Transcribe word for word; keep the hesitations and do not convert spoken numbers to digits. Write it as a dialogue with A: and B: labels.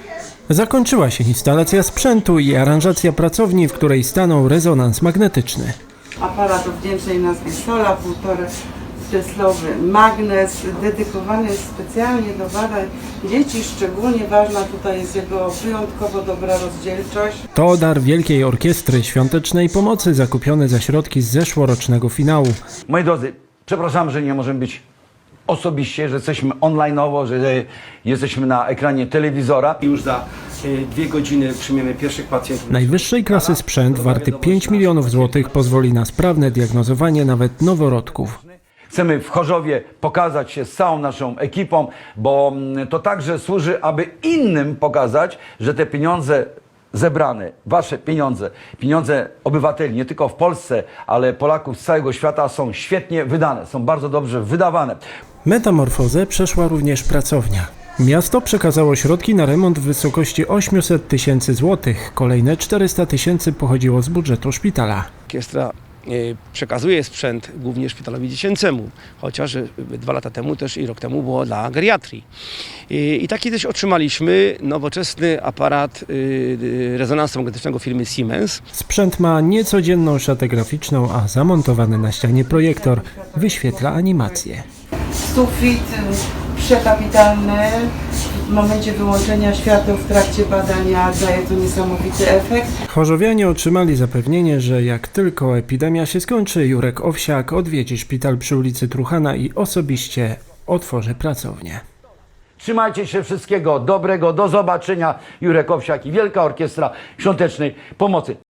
A: Zakończyła się instalacja sprzętu i aranżacja pracowni, w której stanął rezonans magnetyczny.
B: Aparat o wdzięcznej nazwie Sola, półtora teslowy magnes, dedykowany jest specjalnie do badań dzieci. Szczególnie ważna tutaj jest jego wyjątkowo dobra rozdzielczość.
A: To dar Wielkiej Orkiestry Świątecznej Pomocy zakupiony za środki z zeszłorocznego finału.
C: Moi drodzy, przepraszam, że nie możemy być osobiście, że jesteśmy online'owo, że jesteśmy na ekranie telewizora.
D: Już za dwie godziny przyjmiemy pierwszych pacjentów.
A: Najwyższej klasy sprzęt warty pięć milionów złotych pozwoli na sprawne diagnozowanie nawet noworodków.
C: Chcemy w Chorzowie pokazać się z całą naszą ekipą, bo to także służy, aby innym pokazać, że te pieniądze zebrane, wasze pieniądze, pieniądze obywateli, nie tylko w Polsce, ale Polaków z całego świata są świetnie wydane, są bardzo dobrze wydawane.
A: Metamorfozę przeszła również pracownia. Miasto przekazało środki na remont w wysokości osiemset tysięcy złotych. Kolejne czterysta tysięcy pochodziło z budżetu szpitala.
D: Orkiestra przekazuje sprzęt głównie szpitalowi dziecięcemu, chociaż dwa lata temu też i rok temu było dla geriatrii. I taki też otrzymaliśmy nowoczesny aparat rezonansu magnetycznego firmy Siemens.
A: Sprzęt ma niecodzienną szatę graficzną, a zamontowany na ścianie projektor wyświetla animację.
B: Sufit przekapitalny. W momencie wyłączenia świateł w trakcie badania daje to niesamowity efekt.
A: Chorzowianie otrzymali zapewnienie, że jak tylko epidemia się skończy, Jurek Owsiak odwiedzi szpital przy ulicy Truchana i osobiście otworzy pracownię.
C: Trzymajcie się, wszystkiego dobrego, do zobaczenia. Jurek Owsiak i Wielka Orkiestra Świątecznej Pomocy.